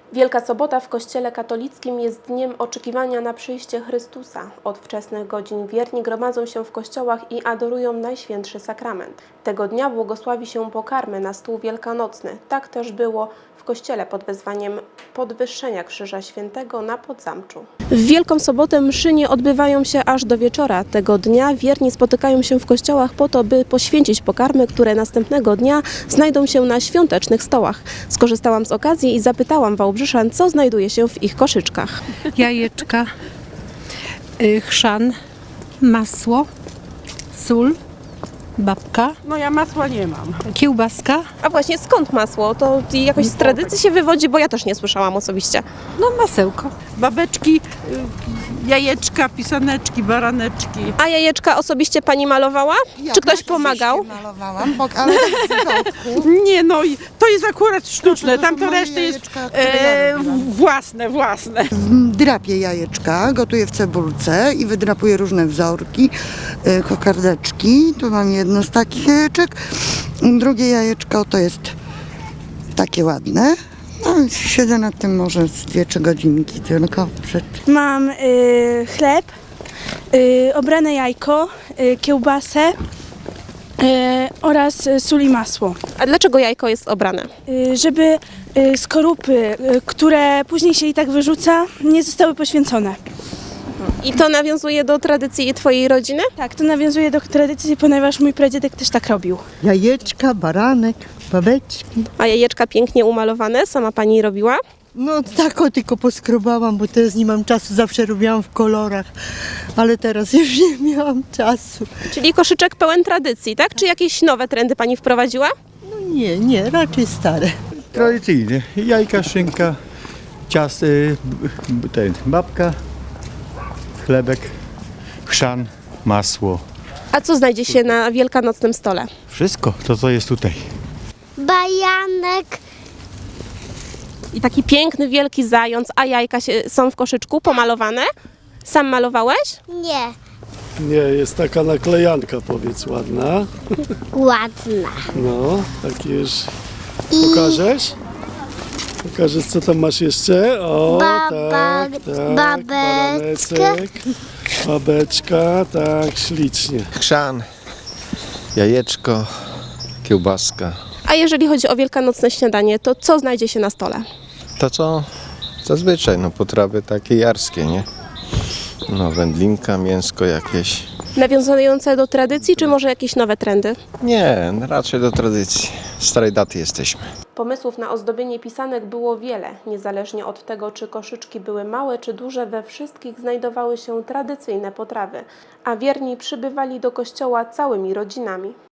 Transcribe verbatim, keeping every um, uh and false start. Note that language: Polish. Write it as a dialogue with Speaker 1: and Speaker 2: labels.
Speaker 1: Wielka Sobota w Kościele katolickim jest dniem oczekiwania na przyjście Chrystusa. Od wczesnych godzin wierni gromadzą się w kościołach i adorują Najświętszy Sakrament. Tego dnia błogosławi się pokarmy na stół wielkanocny. Tak też było w kościele pod wezwaniem podwyższenia Krzyża Świętego na Podzamczu. W Wielką Sobotę mszy nie odbywają się aż do wieczora. Tego dnia wierni spotykają się w kościołach po to, by poświęcić pokarmy, które następnego dnia znajdą się na świątecznych stołach. Skorzystałam z okazji i zapytałam Wałbrzyszan, co znajduje się w ich koszyczkach.
Speaker 2: Jajeczka, y, chrzan, masło, sól, babka,
Speaker 3: No ja masła nie mam.
Speaker 2: kiełbaska,
Speaker 1: A właśnie skąd masło? To jakoś z tradycji się wywodzi, bo ja też nie słyszałam osobiście.
Speaker 2: no masełko.
Speaker 3: Babeczki, y, jajeczka, pisaneczki, baraneczki.
Speaker 1: A jajeczka osobiście pani malowała?
Speaker 4: Ja
Speaker 1: Czy ktoś
Speaker 4: też
Speaker 1: pomagał?
Speaker 4: oczywiście malowałam, bo, ale z środku.
Speaker 3: Nie no, i to jest akurat sztuczne,
Speaker 4: To są
Speaker 3: tamto
Speaker 4: moje
Speaker 3: resztę jest
Speaker 4: jajeczka, które ja
Speaker 3: e,
Speaker 4: robiłam.
Speaker 3: własne, własne.
Speaker 4: Drapię jajeczka, gotuję w cebulce i wydrapuję różne wzorki, y, kokardeczki. Tu mam jedno z takich jajeczek. Drugie jajeczko to jest takie ładne. No i siedzę nad tym może z dwie, trzy godzinki tylko przed.
Speaker 5: Mam y, chleb, y, obrane jajko, y, kiełbasę y, oraz y, sól i masło.
Speaker 1: A dlaczego jajko jest obrane?
Speaker 5: Y, żeby y, skorupy, y, które później się i tak wyrzuca, nie zostały poświęcone.
Speaker 1: I to nawiązuje do tradycji twojej rodziny?
Speaker 5: Tak, to nawiązuje do tradycji, ponieważ mój pradziadek też tak robił.
Speaker 6: Jajeczka, baranek, babeczki.
Speaker 1: A jajeczka pięknie umalowane, sama pani robiła?
Speaker 6: No tak o tylko poskrobałam, bo teraz nie mam czasu, zawsze robiłam w kolorach, ale teraz już nie miałam czasu.
Speaker 1: Czyli koszyczek pełen tradycji, tak? Czy jakieś nowe trendy pani wprowadziła?
Speaker 6: No nie, nie, raczej stare.
Speaker 7: Tradycyjnie. Jajka, szynka, ciast, y, b- ten, babka, chlebek, chrzan, masło.
Speaker 1: A co znajdzie się na wielkanocnym stole?
Speaker 7: Wszystko to, co jest tutaj.
Speaker 8: Bajanek,
Speaker 1: I taki piękny, wielki zając, a jajka się, są w koszyczku pomalowane? Sam malowałeś?
Speaker 8: nie,
Speaker 9: Nie, jest taka naklejanka, powiedz, ładna.
Speaker 8: ładna.
Speaker 9: No, takie już. Pokażesz? Pokażesz, co tam masz jeszcze? O,
Speaker 8: Baba-
Speaker 9: tak, tak.
Speaker 8: babeczka.
Speaker 9: baraneczek, babeczka, tak, ślicznie.
Speaker 10: Chrzan, jajeczko, kiełbaska.
Speaker 1: A jeżeli chodzi o wielkanocne śniadanie, to co znajdzie się na stole?
Speaker 10: To co zazwyczaj, no potrawy takie jarskie, nie? No wędlinka, mięsko jakieś.
Speaker 1: Nawiązujące do tradycji, czy może jakieś nowe trendy?
Speaker 10: Nie, raczej do tradycji. Starej daty jesteśmy.
Speaker 1: Pomysłów na ozdobienie pisanek było wiele. Niezależnie od tego, czy koszyczki były małe czy duże, we wszystkich znajdowały się tradycyjne potrawy, a wierni przybywali do kościoła całymi rodzinami.